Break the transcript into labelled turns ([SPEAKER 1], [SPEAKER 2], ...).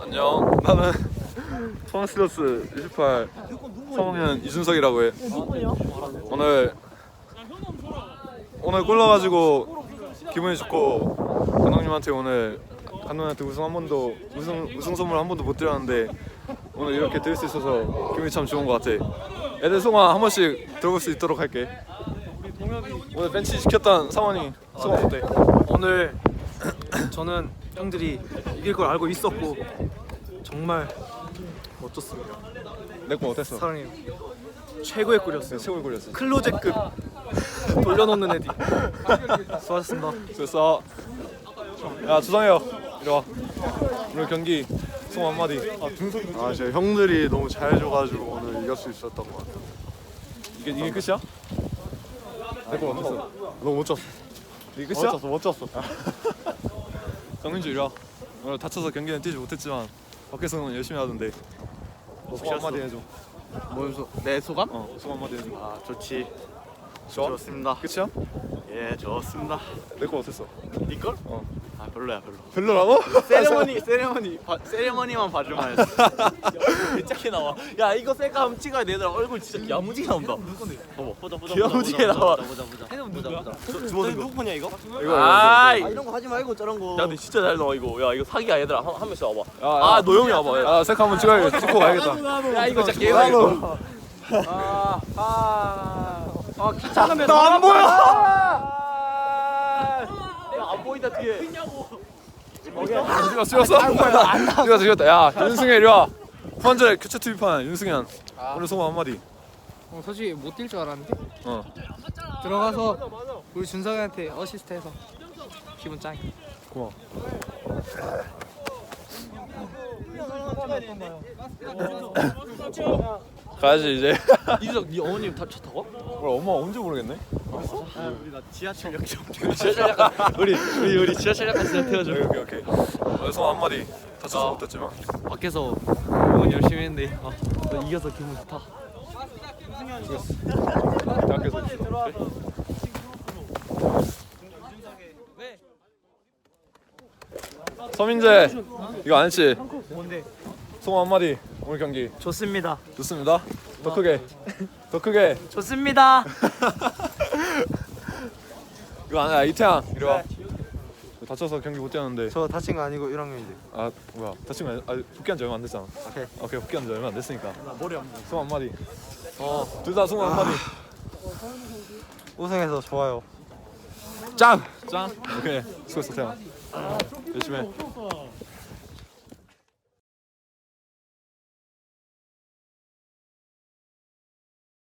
[SPEAKER 1] 안녕. 나는 포항스틸러스 28 3학년 이준석이라고 해. 오늘 골 넣어가지고 기분이 좋고 감독님한테 우승 선물 한 번도 못 드렸는데 오늘 이렇게 드릴 수 있어서 기분이 참 좋은 것 같아. 애들 소감 한 번씩 들어볼 수 있도록 할게. 오늘 벤치 지켰던 상원이 소감 어때?
[SPEAKER 2] 오늘 저는 형들이 이길 걸 알고 있었고 정말 멋졌습니다.
[SPEAKER 1] 내 거 어땠어?
[SPEAKER 2] 사랑해요. 최고의 골이었어요.
[SPEAKER 1] 최고의 골이었어.
[SPEAKER 2] 클로제급 돌려놓는 애디. 수고하셨습니다.
[SPEAKER 1] 됐어. 야 주성이요, 이리 와. 오늘 경기 소감 한마디.
[SPEAKER 3] 제 형들이 너무 잘해줘가지고 오늘 이길 수 있었던 것 같아요.
[SPEAKER 1] 이게 끝이야? 내 거 어땠어?
[SPEAKER 3] 너무 멋졌어.
[SPEAKER 1] 이게 끝이야?
[SPEAKER 3] 멋졌어.
[SPEAKER 1] 정민주 이리 와. 오늘 다쳐서 경기는 뛰지 못했지만 밖에서는 열심히 하던데. 소감 한마디 해줘.
[SPEAKER 3] 내 소감?
[SPEAKER 1] 소감 한마디 해줘.
[SPEAKER 3] 아 좋지.
[SPEAKER 1] 좋아?
[SPEAKER 3] 좋습니다.
[SPEAKER 1] 끝이야?
[SPEAKER 3] 예, 좋습니다.
[SPEAKER 1] 내 거 어땠어?
[SPEAKER 3] 네 걸?
[SPEAKER 1] 어.
[SPEAKER 3] 아 별로야 별로.
[SPEAKER 1] 별로라고?
[SPEAKER 3] 세레머니만 봐줄만 했어. 개짝게 나와. 야 이거 셀카 한번 찍어야 돼. 얘들아 얼굴 진짜 야무지게 나온다. 보자. 야무지게 나와. 주머니 누구 폰이야 이거?
[SPEAKER 1] 아,
[SPEAKER 3] 이런 거 하지 말고 저런 거. 야 근데 진짜 잘 나와 이거. 야 이거 사기야 얘들아. 한 명씩 와봐.
[SPEAKER 1] 아,
[SPEAKER 3] 노영이 와봐.
[SPEAKER 1] 아, 셀카 한번 찍어야겠다. 찍고 가야겠다.
[SPEAKER 3] 야 이거 진짜 개야 이거.
[SPEAKER 2] 귀찮으면
[SPEAKER 3] 나 안 보여. 안 보인다 뒤에.
[SPEAKER 1] 찍었어? 찍었다. 야, 윤승현 이리 와. 후반전에 교체 투입한 윤승현. 오늘 소감 한마디.
[SPEAKER 4] 솔직히 못 뛸 줄 알았는데
[SPEAKER 1] 어.
[SPEAKER 4] 들어가서 우리 준석이한테 어시스트해서 기분 짱.
[SPEAKER 1] 고마워. 가야지 이제.
[SPEAKER 3] 이준석 네 어머님 차 타고?
[SPEAKER 1] 우리 엄마 언제 모르겠네.
[SPEAKER 3] 우리 나 지하철역 좀.
[SPEAKER 2] 우리 지하철역까지 태워줘.
[SPEAKER 1] 오케이. 소감 한마디. 다쳐서 못했지만.
[SPEAKER 2] 밖에서 응원 열심히 했는데 이겨서 기분 좋다.
[SPEAKER 1] 대학교에서. 서민재 이거 안 했지?
[SPEAKER 2] 뭔데?
[SPEAKER 1] 소감 한마디. 오늘 경기
[SPEAKER 2] 좋습니다.
[SPEAKER 1] 좋습니다. 더 크게.
[SPEAKER 2] 좋습니다.
[SPEAKER 1] 이거 아니야. 이태양 이리 와. 다쳐서 경기 못 뛰었는데.
[SPEAKER 2] 저 다친 거 아니고 1학년인데.
[SPEAKER 1] 아 뭐야, 다친 거 아니, 복귀한 지 얼마 안 됐잖아. 오케이 복귀한 지 얼마 안 됐으니까.
[SPEAKER 3] 나 머리 안
[SPEAKER 1] 소감 한마디. 둘 다 소감 한마디.
[SPEAKER 2] 우승해서 좋아요.
[SPEAKER 1] 짱. 오케이 수고했어 태양. 열심히 해.